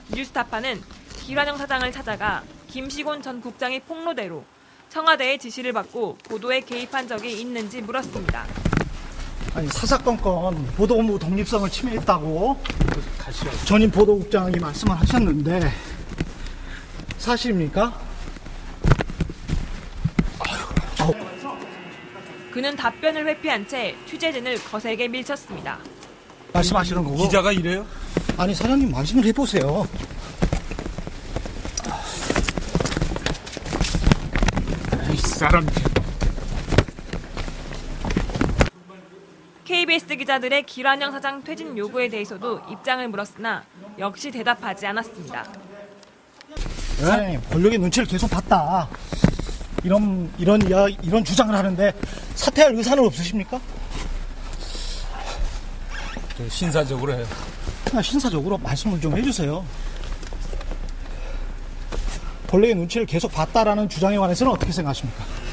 뉴스타파는 기란영 사장을 찾아가 김시곤 전 국장의 폭로대로 청와대의 지시를 받고 보도에 개입한 적이 있는지 물었습니다. 아니, 사사건건 보도본부 독립성을 침해했다고 전임 보도국장이 말씀을 하셨는데 사실입니까? 그는 답변을 회피한 채 취재진을 거세게 밀쳤습니다. 말씀하시는 거고. 기자가 이래요? 아니, 사장님 말씀을 해보세요. 이 사람. KBS 기자들의 기란영 사장 퇴진 요구에 대해서도 입장을 물었으나 역시 대답하지 않았습니다. 사장님, 권력의 눈치를 계속 봤다. 이런 주장을 하는데 사퇴할 의사는 없으십니까? 신사적으로 해요. 신사적으로 말씀을 좀 해주세요. 권력의 눈치를 계속 봤다라는 주장에 관해서는 어떻게 생각하십니까?